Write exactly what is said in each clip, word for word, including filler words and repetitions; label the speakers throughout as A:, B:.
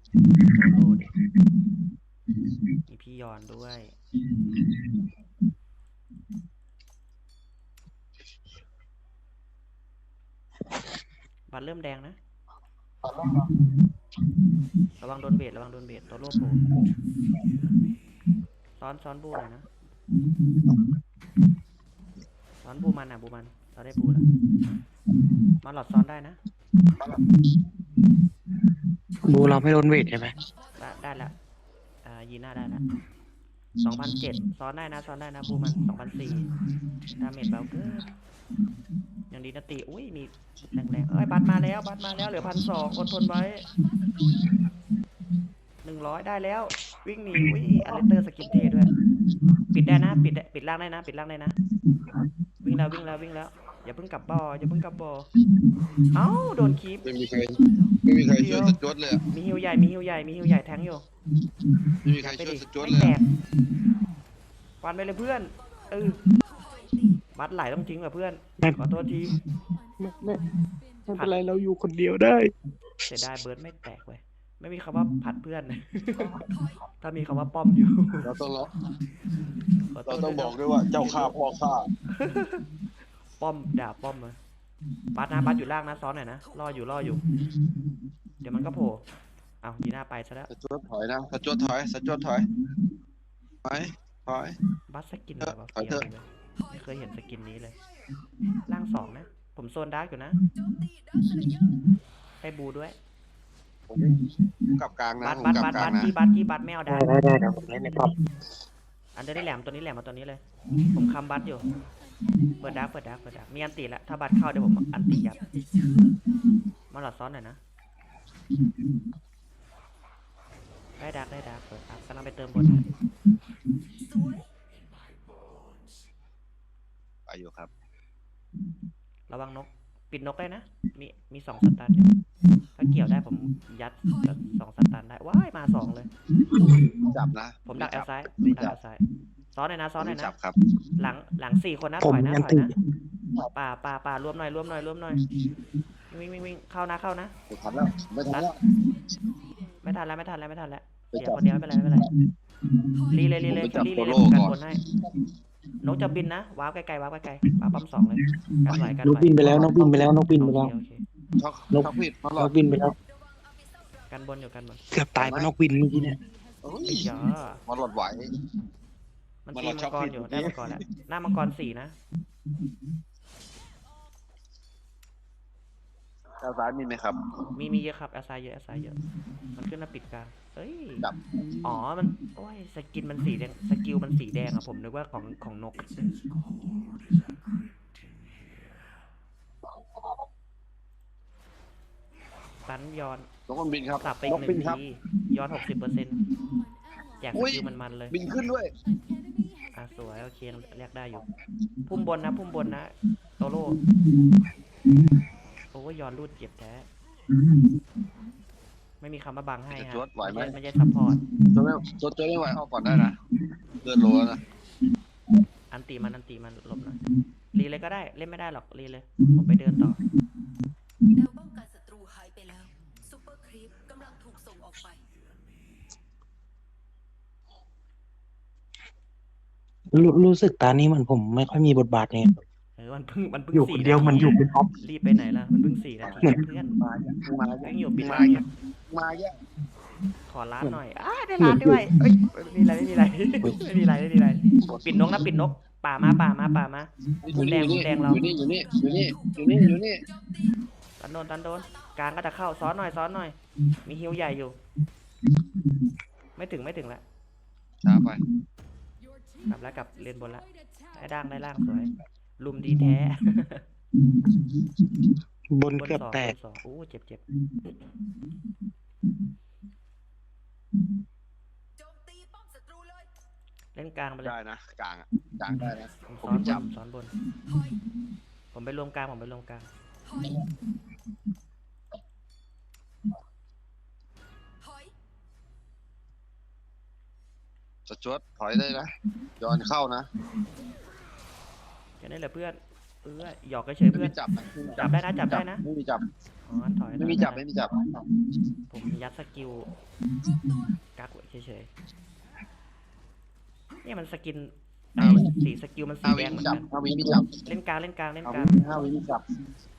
A: โซโล่ดิมีพี่ยอนด้วยบัตรเริ่มแดงนะระวังโดนเบสระวังโดนเบสตัวโล่โผล่ซ้อนซ้อนบูหน่อยนะซ้อนบูมันอ่ะบูมันเราได้บูแล้วมาหลอดซ้อนได้นะ
B: บูเราไม่โดนเวทใช่ไหม
A: ได้ได้แล้วอ่ายีน่าได้แล้วสองพันเจ็ดซ้อนได้นะซ้อนได้นะบูมันสองพันสี่ดาเมจเบาเกินอย่างดีนะตีอุ้ยมีแรงๆเอ้ยบัตรมาแล้วบัตรมาแล้วเหลือพันสองอดทนไว้หนึ่งร้อยได้แล้ววิ่งหนีอุ้ยอเลสเตอร์สกินเท่ด้วยปิดได้นะปิดปิดล่างได้นะปิดล่างได้นะวิ่งแล้ววิ่งแล้ววิ่งแล้วอย่าเพิ่งกลับบ่ออย่าเพิ่งกลับบ่อเอ้าโดนคีบ
C: ไม่มีใครไม่มีใครช่วยสจวตเลยอะ
A: มีฮิวใหญ่มีฮิวใหญ่มีฮิวใหญ่แทงอยู่
C: ไม่มีใครช่วยสจวต
A: ไม่
C: เลย
A: แต
C: อะ
A: กฟันไปเลยเพื่อนเออบัตรไหลต้องทิ้งกับเพื่อนขอโทษที
B: ไม่ไม่ไม่เป็นไรเราอยู่คนเดียวได้
A: เสียดายเบิร์ดไม่แตกเว้ยไม่มีคำว่าผัดเพื่อน ถ้ามีคำว่าป้อมอยู่
C: เราต้องเรา
A: ขอโท
C: เรา
A: ษ
C: ต้อง
A: นะ
C: บอกด้วยว่าเจ้าข้าพ่อข้า
A: ป้อมด่าป้อมเลยบัตรนะบัตรอยู่ล่างนะซ้อนหน่อยนะรออยู่รออยู่ เดี๋ยวมันก็โผล่เอายีน่าไปซะแล้ว
C: สจวตถอยนะสจวตถอยสจวตถอยถอยถอย
A: บัตรสกินอะไรวะ
C: ถอย
A: เฟี้ยว
C: เถอะ
A: เลยไม่เคยเห็นสกินนี้เลยล่างสองนะผมโซนดาร์กอยู่นะให้บูด้วย
C: ผมกลับกลางนะ
A: บัต
C: ผม
A: บัต
C: กลับ
A: บัต
C: กลา
A: บั
C: ง
A: ต
C: นะ
A: กี้บัตกี้บัตไม่เอา
B: ได้
A: ดาร์ก
B: ได้ได้เดี๋ยวผมเล่นในป๊อป
A: อันเดอร์ได้แหลมตัวนี้แหลมมาตัวนี้เลย ผมคำบัตอยู่เปิดดาร์กเปิดดาร์กเปิดดาร์กมีอันตีแล้วถ้าบัตเข้าเดี๋ยวผมอันตียับมาหลอดซ้อนหน่อยนะได้ดาร์กได้ดาร์กเปิดอัพกำลังไปเติมบน
C: ไปอยู่ครับ
A: ระวังนกปิดนกได้นะมีมีสองสตันอยู่ถ้าเกี่ยวได้ผมยัดสองสตันได้ว้ายมาสองเลย
C: จับนะ
A: ผมดักแอลซ้ายผม
C: ไม่
A: ดัก
C: จั
A: แอบ ลซ้ายซ้อนหน่อยนะซ้อนหน่อย
C: ไม่
A: นะ
C: จับครับ
A: หลังหลังสี่คนนะ
B: ผ
A: ถ
B: ม
A: อยนะ
B: ยัน
A: ถอย
B: ตี
A: นะป่าป่าป่ารวมหน่อยรวมหน่อยรวมหน่อยวิ่งวิ่งวิ่งเข้านะเข้านะ
C: ไม่ทันแล้วไม่ทันแล้ว
A: ไม่ทันแล้วไม่ทันแล้วไม่ทันแล้ว
C: ไป
A: เสีย
C: จับ
A: คนเดียวไม่เป็นไรไม่เป็นไรรีเลยรีเลย
C: ผมไปจับ
A: รีเลย
C: โซโล่
A: กัน
C: ก่อน
A: บนให้นกจะบินนะว้าวไกลๆว้าวไกลๆว้าวปั๊มสองเลยกันไหวกัน
B: น
A: ไห
B: ก
A: ว
B: บินไปแล้วนกบินไปแล้วนกบินไป
A: โอ
B: แล้ว
A: เคโอเค
C: ช็อก
B: นก
C: ช็อกผิดมาหล
B: น
C: อด
B: กบินไปแล้ว
A: กันบนอยู่กันบน
B: เกือบตายเพราะนกบินเมื่อกี้เนี่ย
C: โอ้ย
A: ไอ้ยา
C: มาหลอดไหว
A: มัน
C: มัน
A: ตี
C: เรา
A: มั
C: ชอง บ
A: กร
C: ผิด
A: อยู่
C: เมื่อกี้
A: ได้มังกรแล้วหน้ามังกรสี่นะ
C: ด้านซ้ายมีไหมครับ
A: มีมีเยอะครับแอสไซเยอะแอสไซเยอะมันขึ้นมาปิดกลางเอ้ย
C: จับ
A: อ๋อมันโอ้ยสกินมันสีแดงสกิลมันสีแดงอะผมนึกว่าของของนกตันย้อน
C: นกมันบินครับ
A: สับไปอี
C: น
A: ก
C: ก
A: หนึ่
C: บิน
A: ง
C: ครับ
A: ทีย้อนหกสิบเปอร์เซ็นต์อยากส
C: อุ้ย
A: กิลมันมันๆเลย
C: บินขึ้นด้วย
A: อ่ะสวยโอเคเรียกได้อยู่ พุ่มบนนะพุ่มบนนะโตโร่โอ้ยย้อนรูดเจ็บแท้ไม่มีคำว่าบังให้ฮะ
C: จะจวดไหวไหม
A: ไม่ใช่ซัพพอร์ต
C: ตัวไม่ตัวตัวไม่ไหวออกก่อนได้นะเดินโลแล้วนะ
A: อันตีมันอันตีมันหลบหน่อยรีเลยก็ได้เล่นไม่ได้หรอกรีเลยผมไปเดินต่อ
D: แนวป้องกันศัตรูหายไปแล้วซูเปอร์ครีปกำลังถูกส่งออกไป
B: รู้รู้สึกตานี้มันผมไม่ค่อยมีบทบาทเนี่ย
A: เออมันเพิ่งมันเพิ่ง
B: อยู่ค
A: สี่
B: นเดียว
A: นาที
B: มันอยู่เป็นท็อป
A: รีบไปไหนล่ะมันเพิ่งสี่นาที
B: เหมือน
A: เพื่อน
C: มาเยอะมาเย
A: ยังอยู่ปิด
C: มา
A: ร้านอ
C: เย
A: ยู่
C: อะมาเยอะ
A: ขอร้านหน่อยอ้าได้ร้านด้วยเอ้ยไม่มีอะไรไม่มีอะไรไม่มีอะไรไม่มีอะไรปิดนกนะปิดนกป่ามาป่ามาป่ามา
C: อยู่นี่อยู่นี่
A: แดงเรา
C: อยู่นี่อยู่นี่อยู่นี่อยู่นี่อยู่นี่
A: ตันโดนตันโดนกลางก็จะเข้าซ้อนหน่อยซ้อนหน่อย มีฮิวใหญ่อยู่ ไม่ถึงไม่ถึงละ
C: ช้าไป
A: กลับแล้วกลับเรียนบนละได้ด่างได้ล่างสวย ลุมดีแท้
B: บน
A: บน
B: เกือบ
A: สอง
B: แต
A: บ
B: ก
A: นสองโอ้เจ็บเจ็บ
D: โจมตีป้อมศัตรูเลย
A: เล่นกลางไปเลย
C: ได้นะกลางอะกลางได้นะ
A: ผม
C: ผม
A: ซ้อนบ
C: จับ
A: นซ้อนบน
D: ถอย
A: ผมไปรวมกลางผมไปรวมกลาง
D: ถอยถอย
C: สจวตถอยได้นะย้อนเข้านะ
A: อย่างนี้แหละเพื่อนเออหยอกเฉยๆ
C: ไม่
A: เพื่อ
C: มี
A: น
C: จับนะ
A: จับได้นะจับได้นะ
C: ไม่มีจับ
A: อ๋อถอยถ
C: ไม่
A: อย
C: มี
A: ถ
C: จับ
A: อย
C: ไม่มีจับ
A: ผมยัดสกิลกักไว้เฉยๆเนี่ยมันสกินเอาสีสกิลมันสี
C: ห้า
A: แด
C: วิ
A: งเห
C: มี
A: มือน
C: จับ
A: กัน
C: ห้าวิมีจับ
A: เล่นกลางเล่นกลางเล่น
C: ห้าก
A: ลา
C: วิ
A: ง
C: ห้าวิมีจับ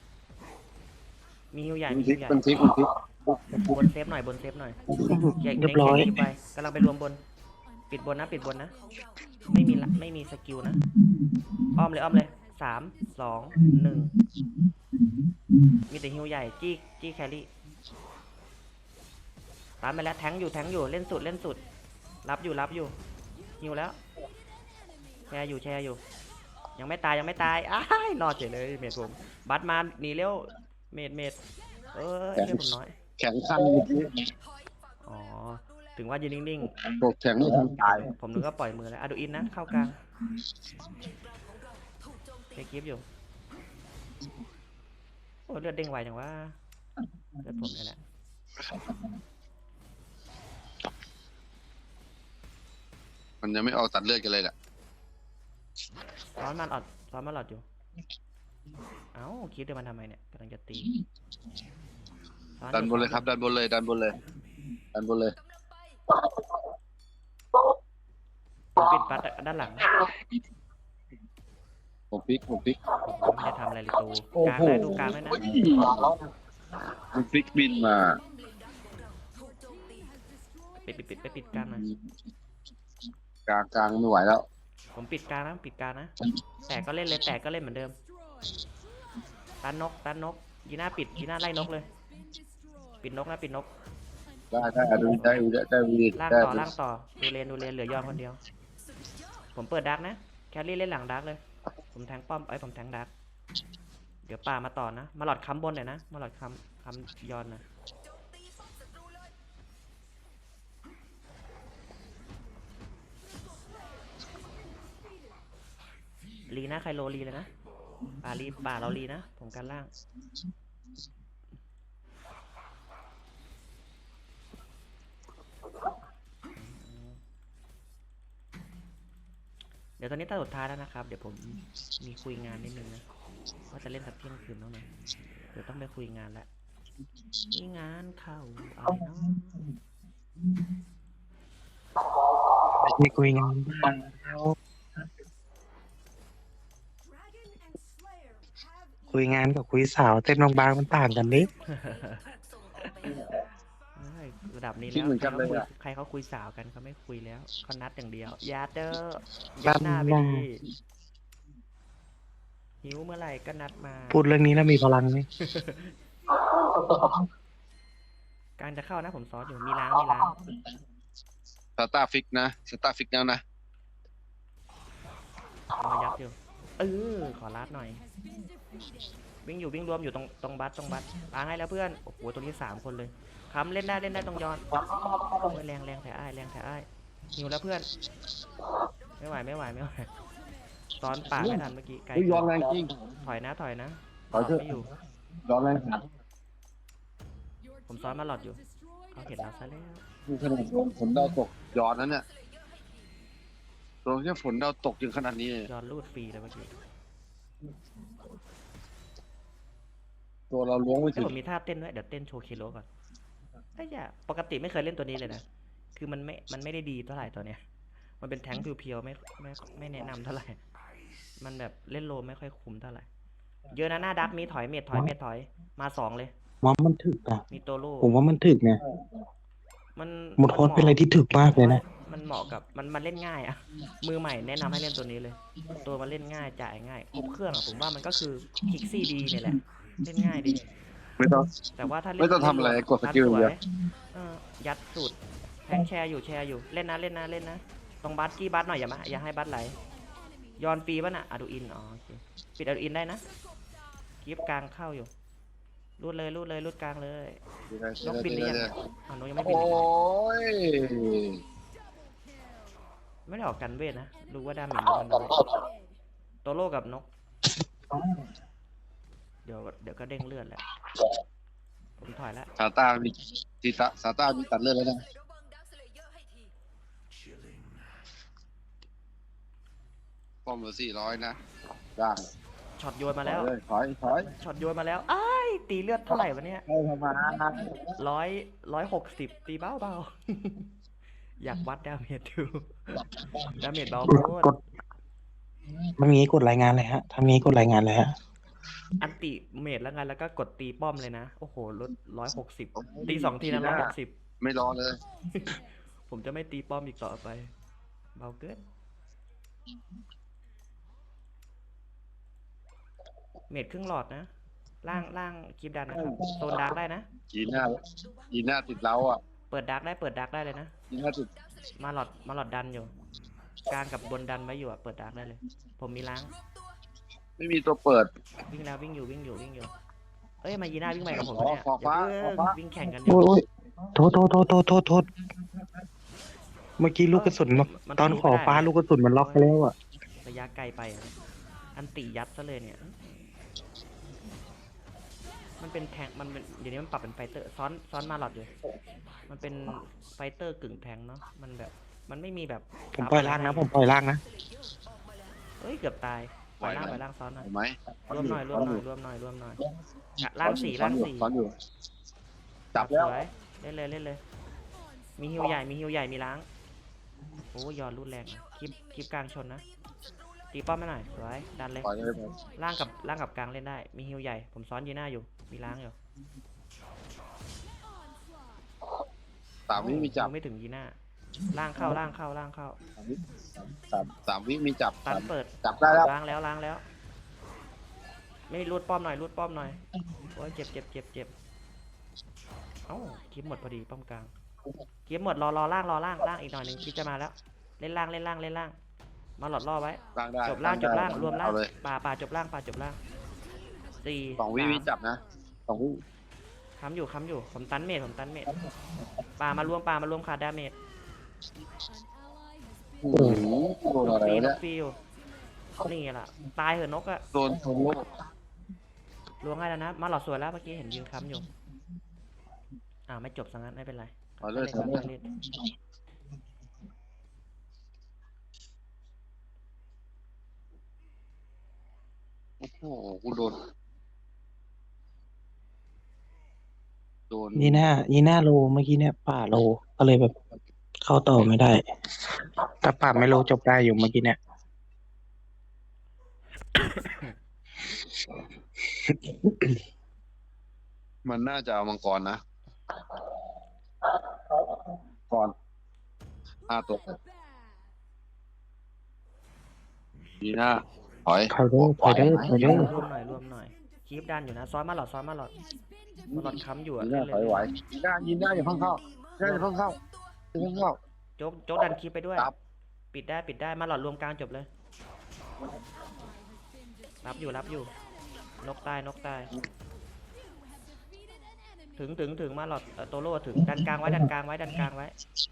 A: มีฮิวใหญ่
C: มัน
A: มี
C: พลิ
A: ฮิ
C: ก
A: วใหญ่
C: มันพลิกมันพลิก
A: บนเซฟหน่อยบนเซฟหน่อยเก่ง
B: เรียบร้อย
A: เก่งไปกำลังไปรวมบน ปิดบนนะปิดบนนะ ไม่มีละไม่มีสกิลนะ อ้อมเลยอ้อมเลยสามสองหนึ่งมีแต่ฮิวใหญ่จี้จี้แครี่ตามไปแล้วแทงอยู่แทงอยู่เล่นสุดเล่นสุด รับอยู่รับอยู่ฮิวแล้วแชร์อยู่แชร์อยู่ ยังไม่ตายยังไม่ตายอ้ายรอดเฉยเลยเมดผมบัตมาหนีเร็วเมดเมดเออเชื่อผมน้อย
C: แข็งขั้นเมื่อกี้
A: อ๋อถึงว่ายืนนิ่ง
C: ตกแข็งไม่ทันตาย
A: ๆผมนึกว่าปล่อยมือแล้วอะดูอินนะเข้ากลางเทคลิปอยู่โอ้เลือดเด้งไวจังว่าเลือดผมนี่แหละ
C: มันยังไม่ออกตัดเลือดกันเลยแหละ
A: ซ้อนมันอดซ้อนมันหลอดอยู่ เอ้าคิดเดี๋ยวมันทำไมเนี่ยกำลังจะตีซ้อ
C: ดันบนเลย
A: อ
C: ครับ ดันบนเลย ดันบนเลย ดันบนเลย
A: ผมปิดปัดด้านหลัง
C: ผมพลิกผมพลิก
A: ผมไม่ได้ทำอะไรเลยตูกลางได้ดูกลางได้นะ
C: มันพลิกบินมา
A: ปิดปิดปิดไปปิดกลางหน่อย
C: กลางกลางไม่ไหวแล้ว
A: ผมปิดกลางนะปิดกลางนะแต่ก็เล่นเลยแต่ก็เล่นเหมือนเดิมตันนกตันนกยีน่าปิดยีน่าไล่นกเลย ปิดนกนะปิดนก
C: ได้ได้ดูได้ดูได้ดูดี
A: ล่าง
C: ได้
A: ต่อล่างต่อดูเลนดูเลนเหลือยอมคนเดียว ผมเปิดดักนะแครี่เล่นหลังดักเลย ผมแทงป้อมไอ้ยผมแทงดักเดี๋ยวป่ามาต่อนะมาหลอดค้ำบนหน่อยนะมาหลอดค้ำค้ำยอนนะลีนะใครโลลีเลยนะป่าลีป่าเราลีนะผมกันล่างเดี๋ยวตอนนี้ตาสุดท้ายแล้วนะครับ เดี๋ยวผมมีคุยงานนิดนึงนะว่าจะเล่นสักเที่ยงคืนแล้วนะเดี๋ยวต้องไปคุยงานแล้วมีงานเข้าอะไรเนาะ
B: ไม่คุยงาน คุยงานกับคุยสาวเต้นบางๆมันต่างกันนิด
A: เอ้ยระดับนี้
C: คิด
A: แล้ว
C: เหมือนกันเลยอะ
A: ใครเขาคุยสาวกันเขาไม่คุยแล้วเขานัดอย่างเดียวอย่าเจอ
B: นั
A: ยั
B: ด
A: ดหน้าไป
B: หน้า
A: ดีหิวเมื่อไหร่ก็นัดมา
B: พูดเรื่องนี้แล้วมีพลังไหม
A: การจะเข้านะผมซ้อนอยู่มีล้างมีล้าง
C: สตาร์ฟิกนะสตาร์ฟิกแล้วนะ
A: เอามายัดอยู่เออขอลัดหน่อย วิ่งอยู่วิ่งรวมอยู่ตรงตรงบัสตรงบัสล้างให้แล้วเพื่อนโอ้โหตรงนี้สามคนเลยค้ำเล่นได้เล่นได้ตรงยอนโอ้ยแรงแรงแผลอ้ายแรงแผลอ้ายหิวแล้วเพื่อน ไม่ไหวไม่ไหวไม่ไหวซ้อนป่าไม่ทันเมื่อกี้ไกล
C: อุ้ยย้อนแรงจริง
A: ถอยนะถอยนะ
C: ถอยเถอะ
A: ไม่อยู่
C: ย้อนแรง
A: ผมซ้อนมาหลอดอยู่เขาเห็นเราซะแล้ว
C: ดูขนาดฝนดาวตกย้อนนั้นเนี่ยตรงแค่ฝนดาวตกยังขนาดนี้เลย
A: ยอนรูดฟรีเลยเมื่อกี้
C: ตัวเราล้วงไม่
A: แต่
C: ถึง
A: ผมมีท่าเต้นด้วยเดี๋ยวเต้นโชว์เคโลก่อนไอ้ยาปกติไม่เคยเล่นตัวนี้เลยนะคือมันไม่มันไม่ได้ดีเท่าไหร่ตัวเนี้ยมันเป็นแท้งเพียวๆไม่ไม่ไม่แนะนำเท่าไหร่มันแบบเล่นโลไม่ค่อยคุ้มเท่าไหร่เยอะนะหน้าดักมีถอยเม็ดถอยเม็ดถอยมาสองเลย
B: ว่ามันถึกอ่ะ
A: มีโตโร่
B: ผมว่ามันถึกเนี่ย
A: มัน
B: หมดโค้ดเป็นอะไรที่ถึกมากเลยนะ
A: มันเหมาะกับมันมันเล่นง่ายอะมือใหม่แนะนำให้เล่นตัวนี้เลย ตัวมันเล่นง่ายจ่ายง่ายครบเครื่องอะผมว่ามันก็คือคิกซี่ดีเนี่ยแหละเล่นง่ายดี
C: ไม่ต้อง
A: แต่ว่าถ้าเล่น
C: ไม่ต้องทำอะไร
A: เล่น
C: กดสกิลอย่างเดียว
A: เออยัดสูตรแทงแชร์อยู่แชร์อยู่เล่นนะเล่นนะเล่นนะตรงบัสกี้บัสหน่อยอย่ามาอย่าให้บัสไหลย้อนฟรีป่ะน่ะอะดูอินอ๋อโอเคปิดอะดูอินได้นะกีบกลางเข้าอยู่รูดเลยรูดเลยรูดกลางเลยนกบินหรือยังเนี่ยอ๋อนกยังไม่บิน
C: โอ้ย
A: ไม่ได้ออกกันเวทนะรู้ว่าดาเมจมันน้อยโตโร่กับนก เดี๋ยวเดี๋ยวก็เด้งเลือดแหละผมถอยแล้ว
C: ซาต้ามีทีซาซาต้ามีตัดเลือดแล้วนะป้อมละสี่ร้อยนะได้
A: ช็อตโยนมา
C: ถ
A: แล้
C: อยว เลยถอยถอย
A: ช็อตโยนมาแล้วอ้ายตีเลือดเท่าไหร่วะเนี่ย
C: ให้ทำมา
A: ร้อยร้อยหกสิบตีเบาเบา อยากวัดดาเมจดูดาเมจเบาโคต
B: ก
A: ร
B: ดมันมีกดรายงานเลยฮะทำงี้กดรายงานเลยฮะ
A: อันติเมจแล้วไงแล้วก็กดตีป้อมเลยนะ โอ้โหลดร้อยหกสิบตีสองทีนะร้อยหกสิบ
C: ไม่รอเลย
A: ผมจะไม่ตีป้อมอีกต่อไป เบาเกินเมจครึ่งหลอดนะ ล่างล่างคลิปดันนะครับโซนดาร์กได้นะ
C: ยีน่ายีน่าติดเล้าอ่ะ
A: เปิดดาร์กได้เปิดดาร์กได้เลยนะ
C: ยีน่าติด
A: มาหลอดมาหลอดดันอยู่ กลางกับบนดันไว้อยู่อะเปิดดาร์กได้เลย ผมมีล้าง
C: ไม่มีตัวเปิด
A: วิ่งแล้ววิ่งอยู่วิ่งอยู่วิ่งอยู่ เอ้ยมายีน่าวิ่งไปกับผมเนี่ย
C: ขอฟ้า
A: อย่าเพิ่ง
C: ขอฟ้า
A: วิ่งแข่งกันอยู่
B: โอ้ยโอ้ยโทษโทษโทษโทษโทษโทษเมื่อกี้ลูกกระสุนมา
A: มัน
B: ตอนขอฟ้าลูกกระสุนมันล็อกไปแล้วอ่ะ
A: ระยะไกลไปอะอันติยัดซะเลยเนี่ย มันเป็นแทงมันเป็นเดี๋ยวนี้มันปรับเป็นไฟเตอร์ซ้อนซ้อนมาหลอดอยู่ มันเป็นไฟเตอร์กึ่งแทงเนาะ มันแบบมันไม่มีแบบ
B: ผมปล่อยล่างนะ ผมปล่อยล่างนะ
A: เอ้ยเกือบตายปล่อยล่างปล่อยล่างซ้อนหน่อย
C: เห็นไหม
A: รวมหน่อยรวมหน่อยรวมหน่อยรวมหน่อยอ่ะล่างสี่ล่างสี่
C: ซ้อนอยู่จับแล้ว
A: สวยเล่นเลยเล่นเลย มีฮิวใหญ่มีฮิวใหญ่มีล้าง โอ้ยอนรุนแรงคลิปคลิปกลางชนนะตีป้อมมาหน่อยสวยดันเลย
C: ปล่อยเลยผม
A: ล่างกับล่างกับกลางเล่นได้ มีฮิวใหญ่ผมซ้อนยีน่าอยู่มีล้างอยู่
C: สามวิมีจับ
A: ฮิวไม่ถึงยีน่าล่างเข้าล่างเข้าล่างเข้า
C: สามวิสามสามวิมีจับ
A: ตันเปิด
C: จับได้แล้ว
A: ล้างแล้วล้างแล้ว ไม่รูดป้อมหน่อยรูดป้อมหน่อยโอ้ยเจ็บเจ็บเจ็บเจ็บเอ้าคลิปหมดพอดีป้อมกลางคลิปหมดรอรอล่างรอล่างล่างอีกหน่อยหนึงคลิปจะมาแล้ว เล่นล่างเล่นล่างเล่นล่าง มาหลอดล่อไว้
C: ล่างได้
A: จบล่างจบล่างรวมล่าง
C: เอาเลย
A: ป่าป่าจบล่างป่าจบล่างสี่
C: สองวิ
A: สาม
C: มีจับนะสองวิ
A: ค้ำอยู่ค้ำอยู่ผมตันเมดผมตันเมดป่ามารวมป่ามารวมขาดดาเมจ
C: โอ้โหโดน
A: น
C: อะ
A: ก
C: ไร
A: ฟีน
C: เนี่
A: ก
C: ย
A: ฟีวนี่ไงล่ะตายเหอะนกอะ
C: โดนโซโล่
A: ลวงให้แล้วนะ มาหลอดสวยแล้วเมื่อกี้เห็นยืนค้ำอยู่อ่าไม่จบสังนั้นไม่เป็นไร
C: เอาเลย
A: ครั
C: เอา
A: บ
C: เลย
A: เล่น
C: โอ้โหกูโดนโดน
B: ยีน่ายีน่าโลเมื่อกี้เนี่ยป่าโลก็เลยแบบ เข้าต่อไม่ได้แต่ป่าไม่โลจบได้อยู่เมื่อกี้เนี่ย
C: มันน่าจะเอามังกรนะก่อนห้าตัวดีนะถอย
B: ถอยเด้อถอยเด้อถอยเด้อ
A: รวมหน่อยรวมหน่อยคีบดันอยู่นะซ้อนมาหลอดซ้อนมาหลอดมาหลอดค้ำอยู่อะ
C: ดี
A: เล่
C: นะ
A: นเล
C: ถอย
A: ย
C: ไหวดีนะยินได้อย่าเพิ่งเข้าได้อย่าเพิ่งเข้าอย่าเพิ่งเข้า
A: โจ๊กโจ๊กดันคีบไปด้วย
C: ครับ
A: ปิดได้ปิดได้มาหลอดรวมกลางจบเลย รับอยู่รับอยู่ นกตายนกตาย ถึงถึงถึงมาหลอดเอ่อโตโร่ถึงดันกลางไว้ดันกลางไว้ดันกลางไว้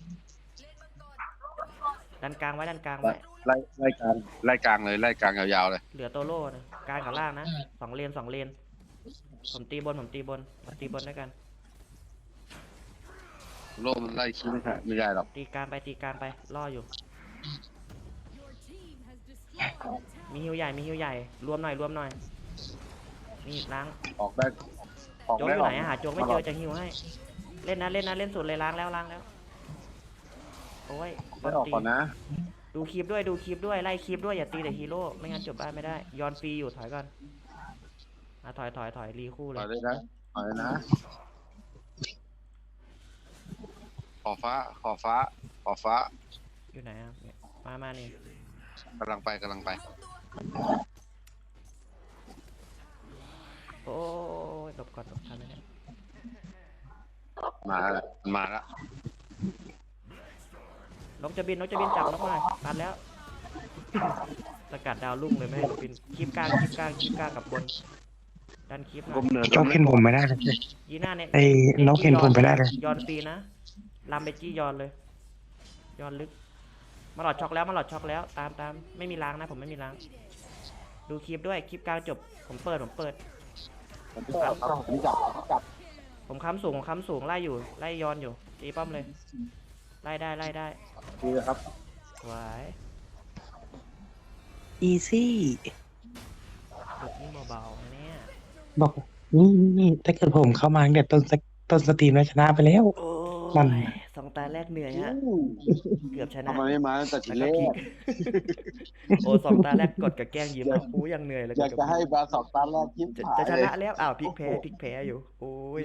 A: ดันกลางไว้ดันกลางไว้
C: ไล่ไล่กลางไล่กลางเลยไล่กลางยาวๆเลย
A: เหลือโตโร่นะกลางกับล่างนะสองเลนสองเลน ผมตีบนผมตีบนมาตีบนด้วยกัน
C: โลกมันไล่คิดไม่ได้ไม่ได้หรอก
A: ตีกลางไปตีกลางไปล่ออยู่ มีฮิวใหญ่มีฮิวใหญ่รวมหน่อยรวมหน่อยนี่ล้าง
C: ออกได้ออก
A: โจ๊ก
C: ได้
A: อยู่
C: อ
A: ไห
C: อน ก
A: อะหาโจ๊กไม่เจอจะฮิวให้ เล่นนะเล่นนะเล่นสุดเลยล้างแล้วล้างแล้วโอ้ย
C: ได้ออก
A: ตี
C: ก่อนนะ
A: ดูคลิปด้วยดูคลิปด้วยไล่คลิปด้วยอย่าตีแต่ฮีโร่ไม่งั้นจบบ้านไม่ได้ย้อนฟรีอยู่ถอยก่อนอ่ะถอยถอยถอยรีคู่เล
C: ถอย ยเลยนะถอยเลยนะขอฟ้าขอฟ้าขอฟ้า
A: อยู่ไหนอ่ะเนี่ยมามานี่
C: กำลังไปกำลังไป
A: โอ้ยหลบก่อนหลบทันไหมเนี่ย
C: มาแล้วมันมาแล้ว
A: นกจะบินนกจะบินจับนกหน่อยตัดแล้ว สกัดดาวลุ่งเลยไม่ให้นกบินคลิปกลางคลิปกลางคลิปกลางกับบนดันคลิปหน่
C: ก้
A: อ
C: ม
A: ย
C: เนิน
B: โจ๊กเห็นผมไม่ได้เลย
A: ยีหน้าเนี่ย
B: ไอ้นกเห็นผมไม่ได้เลย
A: ย้อนฟรีนะลำไปจี้ย้อนเลยย้อนลึกมาหลอดช็อกแล้วมาหลอดช็อกแล้วตามตามไม่มีล้างนะผมไม่มีล้าง ดูคลิปด้วยคลิปกลางจบผมเปิดผมเปิด
C: ผมจับผมจับผมจับ
A: ผมค้ำสูงผมค้ำสูงไล่อยู่ไล่ย้อนอยู่ตีป้อมเลยไล่ได้ไล่ได้
C: ดีเลยครับ
A: ไหว
B: อีซี่
A: หลุดนี่เบาๆนะเนี่ย
B: บอกนี่นี่ถ้าเกิดผมเข้ามาตั้งแต่ต้นสกต้นสตรีมแล้วชนะไปแล้ว
A: โอ้
B: นั่น
A: ยสองตาแรกเหนื่อยฮะ เกือบชนะ
C: ทำไมไม่มาตั้งแต่ที
A: แล้ว
C: แร
A: ก็พลิ
C: ก
A: ก โอ้สองตาแรกกดกับแกล้งยิ้มอ่ะอู้ยังเหนื่อยเลย
C: อยาก
A: ด
C: จะ
A: กับ
C: ให้มาสองตาแรกยิ้ม
A: จะ
C: หาย
A: จะช
C: เล
A: นะ
C: ย
A: แล้วอ้าวพลิกแพ้พลิกแพ้อยู่ โอ้ย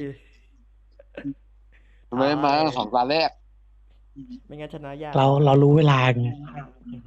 C: ทำไมไม่มาตั้งแต่สองตาแรก
A: ไม่งั้นชนะยาก
B: เราเรารู้เวลาไง